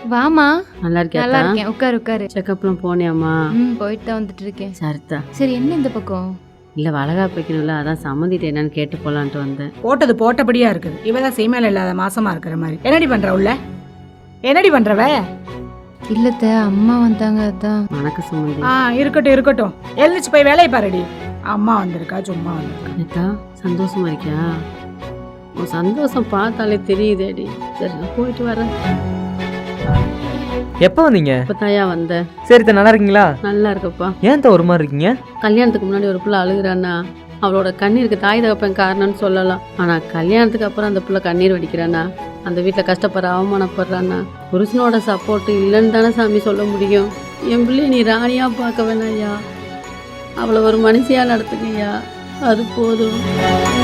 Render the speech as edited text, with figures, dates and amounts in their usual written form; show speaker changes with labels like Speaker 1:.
Speaker 1: வாமா.
Speaker 2: நல்லா இருக்கியா?
Speaker 1: நல்லா இருக்கேன். உட்காரு உட்காரு.
Speaker 2: செக்கப்லாம் போனியாம்மா?
Speaker 1: போயிட்டு தான் வந்துட்டு இருக்கேன்.
Speaker 2: சரிதா.
Speaker 1: சரி, என்ன இந்த பக்கம்?
Speaker 2: இல்லை வளகாப்பு வைக்கணும்ல, அதான் சம்மந்திட்டு என்னன்னு கேட்டு போகலான்ட்டு வந்தேன்.
Speaker 3: போட்டது போட்டபடியா இருக்குது. இவதான் சீமையில இல்லாத மாசமா இருக்கிற மாதிரி. என்னடி பண்ற உள்ள? என்னடி பண்றவ?
Speaker 1: இல்லத்த, அம்மா வந்தாங்க அதான்.
Speaker 2: வணக்கம் சம்மந்தி.
Speaker 3: இருக்கட்டும் இருக்கட்டும். எழுந்துச்சு போய் வேலையை பாருடி. அம்மா வந்திருக்கா, சும்மா வந்திருக்கா.
Speaker 2: அக்கா சந்தோஷமா இருக்கியா? உன் சந்தோஷம் பார்த்தாலே தெரியுதேடி. சரி நான் போயிட்டு வரேன்.
Speaker 4: எப்போ வந்தீங்க?
Speaker 2: இப்போ தாயா வந்தேன்.
Speaker 4: சரி நல்லா இருக்கீங்களா?
Speaker 2: நல்லா இருக்கப்பா.
Speaker 4: ஏன் ஒரு மாதிரி இருக்கீங்க?
Speaker 2: கல்யாணத்துக்கு முன்னாடி ஒரு பிள்ளை அழுகுறான்னா அவளோட கண்ணீருக்கு தாய் தகப்பன் காரணம்னு சொல்லலாம். ஆனால் கல்யாணத்துக்கு அப்புறம் அந்த பிள்ளை கண்ணீர் வடிக்கிறானா, அந்த வீட்டில் கஷ்டப்படுற அவமானப்படுறானா, புருஷனோட சப்போர்ட் இல்லைன்னு தானே சாமி சொல்ல முடியும். என் பிள்ளைய நீ ராணியாக பார்க்க வேணாயா, அவளை ஒரு மனுஷியாக நடத்துக்கையா, அது போதும்.